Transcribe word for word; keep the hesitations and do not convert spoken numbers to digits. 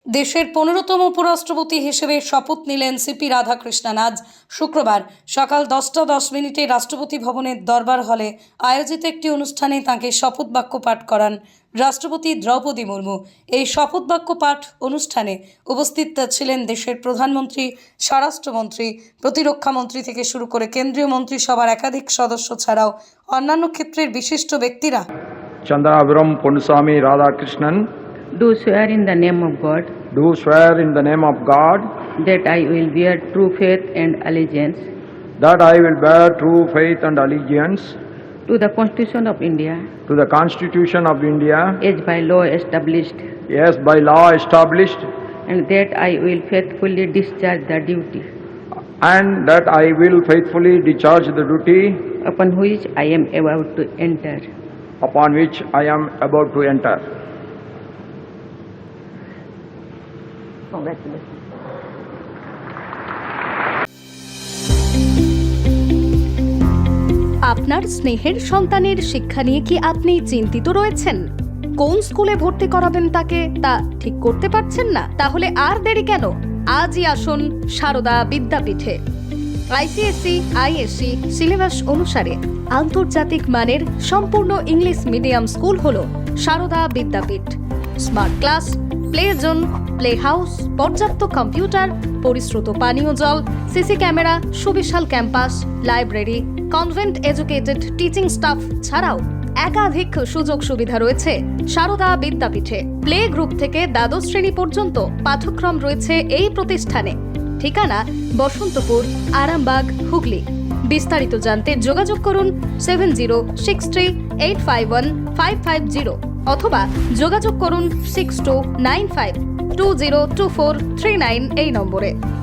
দেশের পনেরোতম উপরাষ্ট্রপতি হিসেবে শপথ নিলেন সিপি রাধাকৃষ্ণন। আজ শুক্রবার সকাল দশটা দশ মিনিটে রাষ্ট্রপতি ভবনের দরবার হলে আয়োজিত একটি অনুষ্ঠানে তাঁকে শপথ বাক্য পাঠ করান রাষ্ট্রপতি দ্রৌপদী মুর্মু। এই শপথ বাক্য পাঠ অনুষ্ঠানে উপস্থিত ছিলেন দেশের প্রধানমন্ত্রী, স্বরাষ্ট্রমন্ত্রী, প্রতিরক্ষা মন্ত্রী থেকে শুরু করে কেন্দ্রীয় মন্ত্রিসভার একাধিক সদস্য ছাড়াও অন্যান্য ক্ষেত্রের বিশিষ্ট ব্যক্তিরা। Chandraviram Ponnuswamy Radhakrishnan, Do swear in the name of God do swear in the name of God that I will bear true faith and allegiance that I will bear true faith and allegiance to the Constitution of India to the Constitution of India as by law established, as by law established, and that I will faithfully discharge the duty and that I will faithfully discharge the duty upon which I am about to enter. upon which I am about to enter. Congratulations. আপনার স্নেহের সন্তানের শিক্ষা নিয়ে কি আপনি চিন্তিত রয়েছেন? কোন স্কুলে ভর্তি করাবেন তাকে তা ঠিক করতে পারছেন না? তাহলে আর দেরি কেন? আজই আসুন সারদা বিদ্যাপীঠে। আইসিএসসি আইএসসি সিলেবাস অনুসারে আন্তর্জাতিক মানের সম্পূর্ণ ইংলিশ মিডিয়াম স্কুল হলো Sarada Vidyapith. Smart class, play zone, play house, পর্যাপ্ত কম্পিউটার, পরিশ্রুত পানীয় জল, সিসি ক্যামেরা, সুবিশাল campus, library, convent educated teaching staff ছাড়াও একাধিক সুযোগ সুবিধা রয়েছে সারদা বিদ্যাপীঠে। প্লে গ্রুপ থেকে দ্বাদশ শ্রেণী পর্যন্ত পাঠ্যক্রম রয়েছে এই প্রতিষ্ঠানে। ঠিকানা বসন্তপুর, আরামবাগ, হুগলি। বিস্তারিত জানতে যোগাযোগ করুন seven zero six three eight five one five five zero অথবা যোগাযোগ করুন six two nine five two zero two four three nine এই নম্বরে।